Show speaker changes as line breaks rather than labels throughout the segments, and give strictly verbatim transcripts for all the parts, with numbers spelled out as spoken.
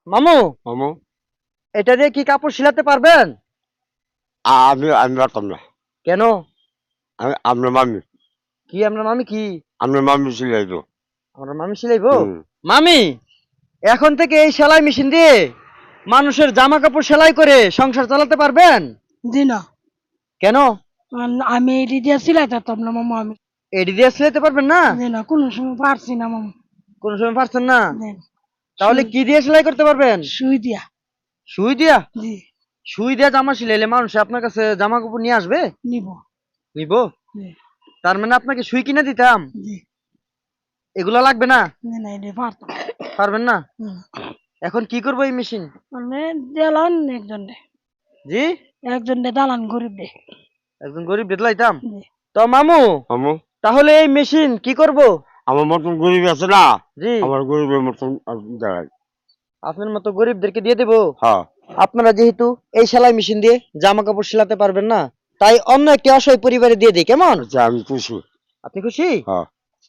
মামু,
মামু
এটা দিয়ে কি কাপড় সিলাতে পারবেন?
আমি আমি পারতাম না।
কেন?
আমি আপনার মামি
কি আপনার মামি কি?
আপনার মামি সিলাই তো।
আপনার মামি সিলাইবো?
হুম।
মামি, এখন থেকে এই সেলাই মেশিন দিয়ে মানুষের জামা কাপড় সেলাই করে সংসার চালাতে পারবেন?
জি না।
কেন?
আম- আমি এটি দিয়ে সিলাই করতাম না মামা। আমি
এডি দিয়ে সিলাইতে পারবেন না?
জি না, কোনো সময় পারছি না মামা।
কোন সময় পারছেন না?
জি না।
তাহলে
সুই
কি দিয়ে সেলাই করতে পারবেন?
সুই দিয়া।
সুই দিয়া?
জি।
সুই দিয়া জামা সিলাইলে মানুষ আপনার কাছে জামা কাপড় নিয়ে আসবে?
নিব।
নিবো?
জি।
তার মানে আপনাকে সুই কিনে দিতাম?
জি।
এগুলা লাগবে না?
জি না, এটি পারতাম।
পারবেন না?
হুম।
এখন কি করবো এই মেশিন?
মানে দালান একজন দে,
জি?
একজন দে দালান গরিব দে।
একজন গরিব বেদলাইতাম।
জি।
তো মামু,
মামু
তাহলে এই মেশিন কি করব?
আমার মতন গরিব আছে না,
জি,
আমার গরিবের মতন দাঁড়ায়।
আপনার মতো গরিবদেরকে দিয়ে দেবো।
হ্যাঁ।
আপনারা যেহেতু এই সেলাই মেশিন দিয়ে জামা কাপড় সেলাতে পারবেন না, তাই অন্য একটি অসহায় পরিবারে দিয়ে দিই, কেমন?
আচ্ছা আমি খুশি।
আপনি খুশি?
হ্যাঁ।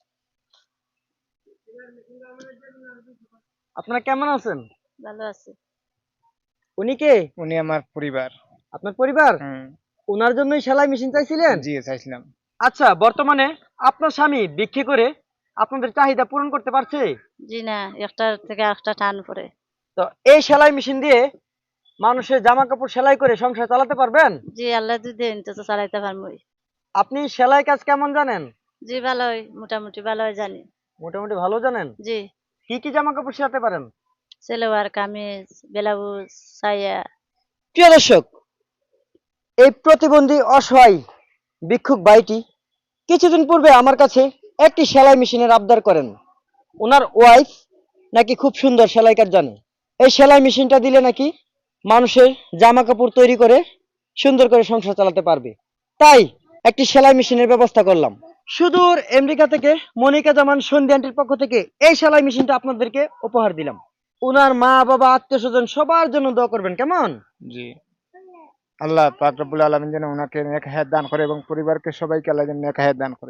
আপনারা কেমন আছেন?
ভালো আছে।
উনি কে?
উনি আমার পরিবার।
আপনার পরিবার?
হুম।
ওনার জন্যই সেলাই মেশিন চাইছিলেন?
জি চাইছিলাম।
আচ্ছা, বর্তমানে আপনার স্বামী বিক্রি করে আপনাদের চাহিদা পূরণ করতে পারছে?
জি না, একটার থেকে একটা টান পড়ে।
তো এই সেলাই মেশিন দিয়ে মানুষের জামা কাপড় সেলাই করে সংসার চালাতে পারবেন?
জি আল্লাহ যদি দেন তো তো চালাইতে পারবই।
আপনি সেলাই কাজ কেমন জানেন?
জি ভালোই, মোটামুটি ভালোই জানি।
মোটামুটি ভালো জানেন?
জি,
কি কি জামা কাপড় সেলাতে পারেন?
সেলোয়ার কামিজ, ব্লাউজ, সায়া।
প্রিয় দর্শক, এই প্রতিবন্ধী অসহায় ভিক্ষুক ভাইটি কিছুদিন পূর্বে আমার কাছে একটি সেলাই মেশিনের আবদার করেন। ওনার ওয়াইফ নাকি খুব সুন্দর সেলাই কাজ জানে। এই সেলাই মেশিনটা দিলে নাকি মানুষের জামা কাপড় তৈরি করে সুন্দর করে সংসার চালাতে পারবে। তাই একটি সেলাই মেশিনের ব্যবস্থা করলাম। সুদূর আমেরিকা থেকে মনিকা জামান সন্ধি আন্টির পক্ষ থেকে এই সেলাই মেশিনটা আপনাদেরকে উপহার দিলাম। ওনার মা বাবা আত্মীয় স্বজন সবার জন্য দোয়া করবেন, কেমন?
জি। আল্লাহ পাক রব্বুল আলামিন যেন ওনাকে নেক হায়াত দান করে এবং পরিবারকে সবাইকে আল্লাহ যেন নেক হায়াত দান করে।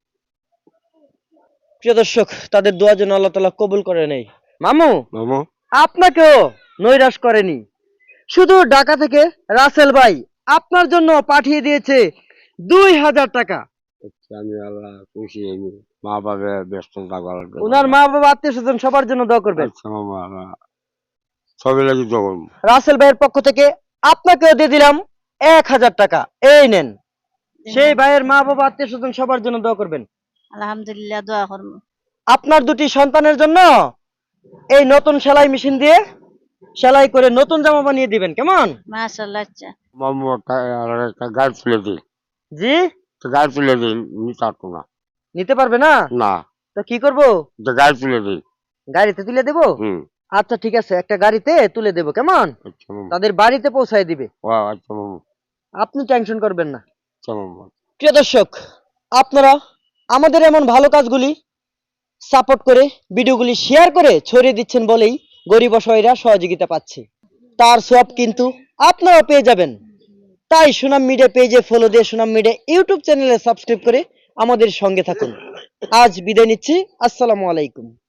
প্রিয় দর্শক, তাদের দোয়া যেন আল্লাহ তাআলা কবুল করে নেই। মামু,
মামু
আপনাকেও নৈরাশ করেনি। শুধু ঢাকা থেকে রাসেল ভাই আপনার জন্য পাঠিয়ে দিয়েছে দুই হাজার টাকা।
আচ্ছা, আমি আল্লাহ খুশি। আমি মা বাবা ব্যস্ত থাকা লাগবে।
ওনার মা বাবা আত্মীয় স্বজন সবার জন্য দোয়া করবেন।
আচ্ছা মামা, আল্লাহ সবাই লাগি যখন।
রাসেল ভাইয়ের পক্ষ থেকে আপনাকেও দিয়ে দিলাম এক হাজার টাকা, এই নেন। সেই ভাইয়ের মা বাবা আত্মীয় স্বজন সবার জন্য দোয়া করবেন।
আলহামদুলিল্লাহ দোয়া করবো।
আপনার দুটি সন্তানের জন্য এই নতুন সেলাই মেশিন দিয়ে সেলাই করে নতুন জামা বানিয়ে দিবেন, কেমন?
মাশাআল্লাহ। আচ্ছা
মামু একটা গাড়ি তুলে দিন।
জি,
তো গাড়ি তুলে দিন, নিতে পারতো না।
নিতে পারবে না?
না,
তো কি করব?
তো গাড়ি তুলে দিন।
গাড়িতে তুলে দেবো?
হুম।
আচ্ছা ঠিক আছে, একটা গাড়িতে তুলে দেবো, কেমন?
আচ্ছা মামু।
তাদের বাড়িতে পৌঁছায় দিবে।
ও আচ্ছা মামু।
আপনি টেনশন করবেন না।
আচ্ছা মামু।
প্রিয় দর্শক, আপনারা আমাদের এমন ভালো কাজগুলি সাপোর্ট করে ভিডিওগুলি শেয়ার করে ছড়িয়ে দিচ্ছেন বলেই গরিব অসহায়রা সহযোগিতা পাচ্ছে। তার সব কিন্তু আপনারা পেয়ে যাবেন। তাই সুনাম মিডিয়া পেজে ফলো দিয়ে সুনাম মিডিয়া ইউটিউব চ্যানেলে সাবস্ক্রাইব করে আমাদের সঙ্গে থাকুন। আজ বিদায় নিচ্ছি। আসসালামু আলাইকুম।